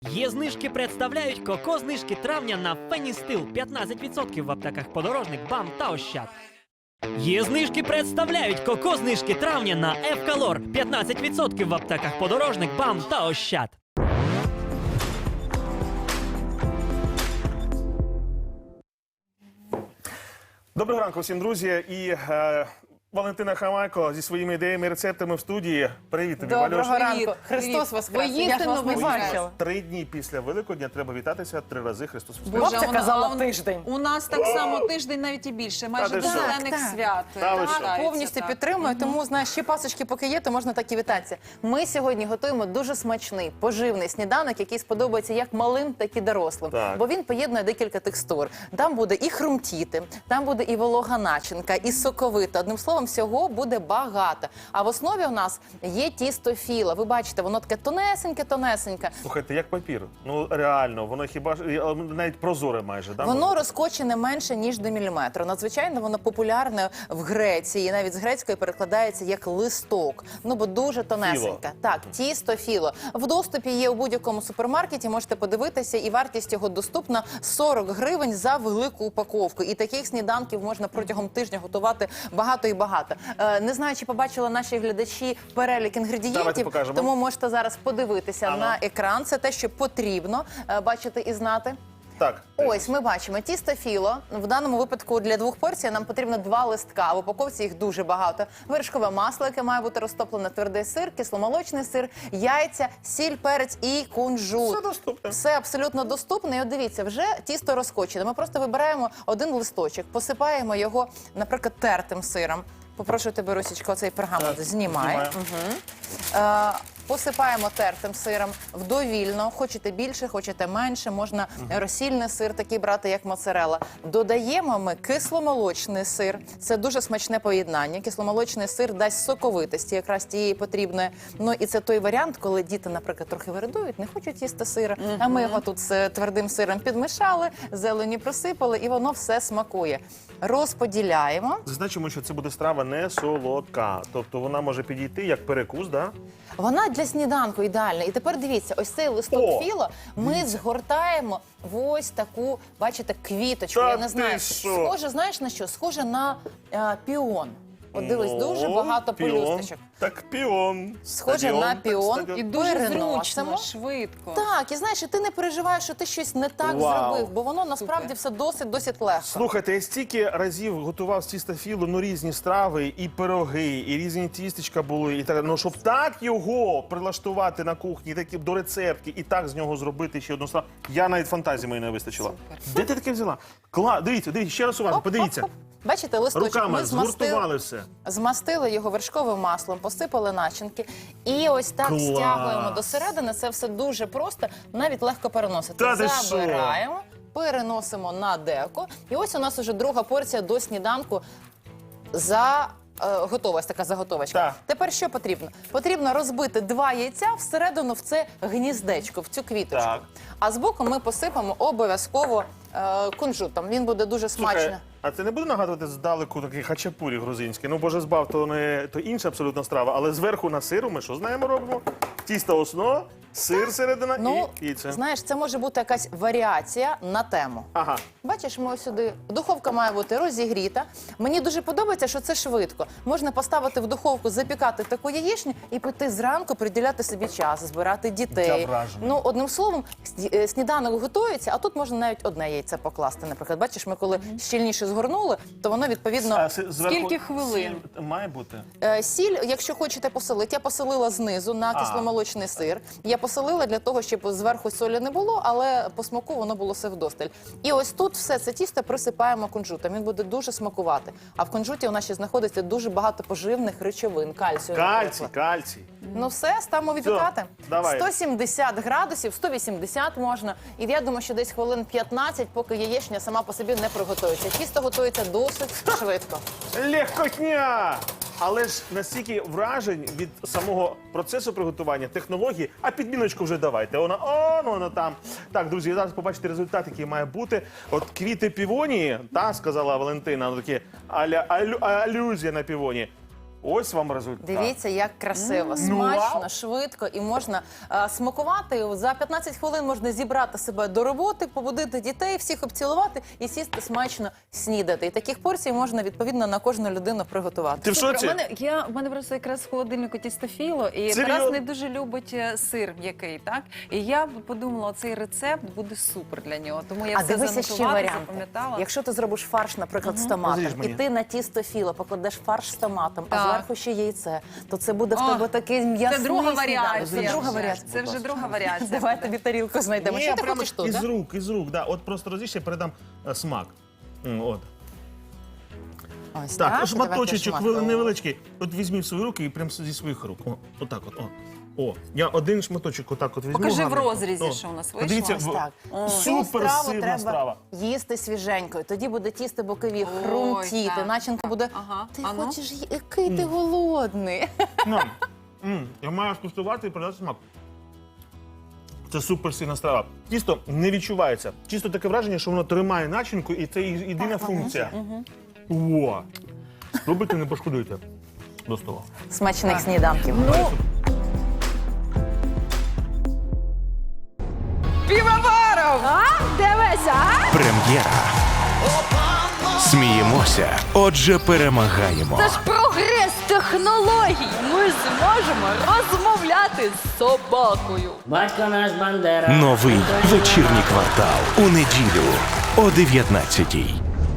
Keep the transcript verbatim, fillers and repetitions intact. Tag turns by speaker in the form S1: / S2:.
S1: Є знижки представляють коко-знижки травня на Феністил п'ятнадцять відсотків в аптеках Подорожник, БАМ та Ощад. Є знижки представляють коко-знижки травня на Евкалор п'ятнадцять відсотків в аптеках Подорожник, БАМ та Ощад.
S2: Доброго ранку всім, друзі. І е, Валентина Хамайко зі своїми ідеями і рецептами в студії. Привіт тобі, Валюш.
S3: Доброго ранку.
S4: Привіт.
S3: Христос воскрес. Я ж
S4: Воістину
S3: вас не
S4: воскрес.
S3: бачила.
S2: Три дні після Великодня треба вітатися три рази Христос Воскрес.
S3: Бабця
S4: вона-
S3: казала
S4: а у-
S3: тиждень.
S4: У нас так само тиждень, навіть і більше, майже
S2: ти
S4: до
S2: що?
S4: зелених
S3: Так,
S4: свят.
S2: Та ви що?
S4: вважається,
S3: Повністю
S4: так.
S3: підтримую, тому, знаєш, ще пасочки поки є, то можна так і вітатися. Ми сьогодні готуємо дуже смачний, поживний сніданок, який сподобається як малим, так і дорослим.
S2: Так.
S3: Бо він поєднує декілька текстур. Там буде і хрумтіти, там буде і волога начинка, і соковита. Одним словом, всього буде багато. А в основі у нас є тісто філа. Ви бачите, воно таке тонесеньке-тонесеньке.
S2: Слухайте, як папір. Ну реально, воно хіба ж е, навіть прозоре майже, да?
S3: Воно розкочене менше, ніж до міліметру. Надзвичайно воно популярне в Греції. Навіть з грецької перекладається як листок. Ну, бо дуже тонесеньке.
S2: Філо.
S3: Так, тісто філо. В доступі є у будь-якому супермаркеті, можете подивитися, і вартість його доступна сорок гривень за велику упаковку. І таких сніданків можна протягом тижня готувати багато і багато. Е, не знаю, чи побачили наші глядачі перелік
S2: Давайте
S3: інгредієнтів,
S2: покажемо.
S3: тому можете зараз подивитися
S2: Ано.
S3: на екран. Це те, що потрібно е, бачити і знати.
S2: Так.
S3: Ось ми бачимо тісто філо. В даному випадку для двох порцій нам потрібно два листка. В упаковці їх дуже багато. Вершкове масло, яке має бути розтоплене, твердий сир, кисломолочний сир, яйця, сіль, перець і кунжут.
S2: Все доступне.
S3: Все абсолютно доступне. І от дивіться, вже тісто розкочене. Ми просто вибираємо один листочок, посипаємо його, наприклад, тертим сиром. Попрошу тебе, Русічко, цей пергамент
S2: Так,
S3: знімай.
S2: знімаю.
S3: Угу. Е, посипаємо тертим сиром вдовільно. Хочете більше, хочете менше. Можна розсільний сир такий брати, як моцарелла. Додаємо ми кисломолочний сир. Це дуже смачне поєднання. Кисломолочний сир дасть соковитості, якраз тієї потрібної. Ну і це той варіант, коли діти, наприклад, трохи вирадують, не хочуть їсти сира. А ми його тут з твердим сиром підмішали, зелені просипали, і воно все смакує. Розподіляємо.
S2: Зазначимо, що це буде страва не солодка. Тобто вона може підійти як перекус, да?
S3: Вона для сніданку ідеальна. І тепер дивіться, ось цей листок
S2: О,
S3: філо ми згортаємо в ось таку, бачите, квіточку.
S2: Та
S3: Я не
S2: ти
S3: знаю,
S2: що?
S3: схоже, знаєш на що? Схоже на е, піон. От дивись,
S2: Ну,
S3: дуже багато
S2: піон.
S3: пелюсточок.
S2: Так, піон.
S3: Схоже
S2: Стадіон,
S3: на
S2: так,
S3: піон.
S2: стадіон.
S4: І дуже
S3: Переносимо.
S4: зручно, швидко.
S3: Так, і знаєш, і ти не переживаєш, що ти щось не так
S2: Вау.
S3: зробив, бо воно насправді
S4: Супер.
S3: все досить-досить легко.
S2: Слухайте, я стільки разів готував з тіста філо, ну різні страви, і пироги, і різні тістечка були, і так. Ну щоб так його прилаштувати на кухні, такі до рецептки, і так з нього зробити ще одну страву. Я навіть фантазії моєї не вистачило.
S4: Супер.
S2: Де ти таке взяла? Кла, дивіться, дивіться, ще раз уважно,
S3: Оп,
S2: подивіться.
S3: оп, оп. Бачите, листочок
S2: Руками
S3: ми змастили.
S2: згуртували все.
S3: Змастили його вершковим маслом, посипали начинки. І ось так
S2: Клас!
S3: стягуємо до середини. Це все дуже просто, навіть легко переносити.
S2: Та ти що?
S3: Забираємо, переносимо на деко. І ось у нас уже друга порція до сніданку за... е, Готова, ось така заготовочка.
S2: Так.
S3: Тепер що потрібно? Потрібно розбити два яйця всередину в це гніздечко, в цю квіточку.
S2: Так.
S3: А збоку ми посипемо обов'язково е, кунжутом. Він буде дуже смачно.
S2: Слухай, а це не буде нагадувати здалеку такий хачапурі грузинський? Ну, боже збав, то не то інша абсолютно страва, але зверху на сиру ми що знаємо робимо? Тісто основа, сир середина
S3: Ну,
S2: і яйце.
S3: знаєш, це може бути якась варіація на тему.
S2: Ага.
S3: Бачиш, ми ось сюди. Духовка має бути розігріта. Мені дуже подобається, що це швидко. Можна поставити в духовку, запікати таку яєчню і піти зранку, приділяти собі час, збирати дітей.
S2: Я вражений.
S3: Ну, одним словом, сні- е, сніданок готується, а тут можна навіть одне яйце покласти. Наприклад, бачиш, ми коли щільніше згорнули, то воно відповідно.
S2: А си- зверху
S4: Скільки хвилин?
S2: сіль має бути?
S3: Е, Сіль, якщо хочете посолити, я посолила знизу на кисломолочний сир. Я посолила для того, щоб зверху солі не було, але по смаку воно було все вдосталь. І ось тут все це тісто присипаємо кунжутом. Він буде дуже смакувати. А в кунжуті у нас ще знаходиться дуже багато поживних речовин, кальцію.
S2: Кальцій,
S3: наприклад.
S2: кальцій.
S3: Ну все, ставимо випікати.
S2: давай.
S3: сто сімдесят градусів, сто вісімдесят можна. І я думаю, що десь хвилин п'ятнадцять, поки яєчня сама по собі не приготується. Тісто готується досить швидко.
S2: Легкотня! Але ж настільки вражень від самого процесу приготування, технології, а підміночку вже давайте. Вона, о, ну, вона там. Так, друзі, зараз побачите результат, який має бути. От квіти півонії, та, сказала Валентина, ну, такі аля, алю, алюзія на півонії. Ось вам результат.
S3: Дивіться, як красиво, смачно,
S2: вау.
S3: швидко і можна е, смакувати. За п'ятнадцять хвилин можна зібрати себе до роботи, побудити дітей, всіх обцілувати і сісти смачно снідати. І таких порцій можна відповідно на кожну людину приготувати.
S2: Ти в
S4: Слухай,
S2: шоці?
S4: У мене, я, у мене просто якраз в холодильнику тістофіло, і
S2: Серйозно?
S4: Тарас не дуже любить е, сир м'який, так? І я подумала, цей рецепт буде супер для нього. Тому я
S3: А
S4: все
S3: дивися ще
S4: занотувала,
S3: варіанти.
S4: запам'ятала.
S3: Якщо ти зробиш фарш, наприклад, з томатом,
S2: Розріж
S3: і
S2: мені.
S3: ти на тісто філо покладеш фарш з томатом, а
S4: Так.
S3: зверху ще яйце, то це буде в
S4: О,
S3: тебе такий м'ясний
S4: Це друга
S3: сніданок.
S4: варіація.
S3: Це друга
S4: вже.
S3: варіація.
S4: Це вже друга варіація.
S3: Давай
S4: буде.
S3: тобі тарілку знайдемо.
S2: Ні,
S3: Що ти
S2: прямо
S3: хочеш тут?
S2: із
S3: да?
S2: рук, із рук, да. От просто розріж, я передам е, смак. М, От.
S3: Ось
S2: Так,
S3: Давайте
S2: шматочечок
S3: шматку.
S2: вели- невеличкий. От візьміть в свої руки і прям зі своїх рук. О, отак от. О. О, я один шматочок отак от візьму.
S4: Покажи в
S2: гарно.
S4: розрізі,
S2: О.
S4: що у нас вийшло.
S2: Подивіться,
S3: Ось
S2: в-
S3: так. Цю
S2: супер
S3: страву
S2: сирна
S3: треба
S2: страва.
S3: їсти свіженькою. Тоді буде тісто бокові
S4: Ой,
S3: хрумтіти,
S4: так.
S3: начинка буде.
S4: Ага.
S3: Ти
S4: А ну?
S3: хочеш, ї- який ти голодний.
S2: На. М, Я маю скуштувати і передати смак. Це супер сильна страва. Тісто не відчувається. Чисто таке враження, що воно тримає начинку, і це і- єдина функція. О! Спробуйте, не пошкодуйте. До стола.
S3: Смачних сніданків.
S4: Ну, півоваров!
S5: Прем'єра. Сміємося, отже, перемагаємо.
S6: Це ж прогрес технологій. Ми зможемо розмовляти з собакою.
S7: Батько наш Бандера.
S5: Новий вечірній квартал у неділю о дев'ятнадцятій.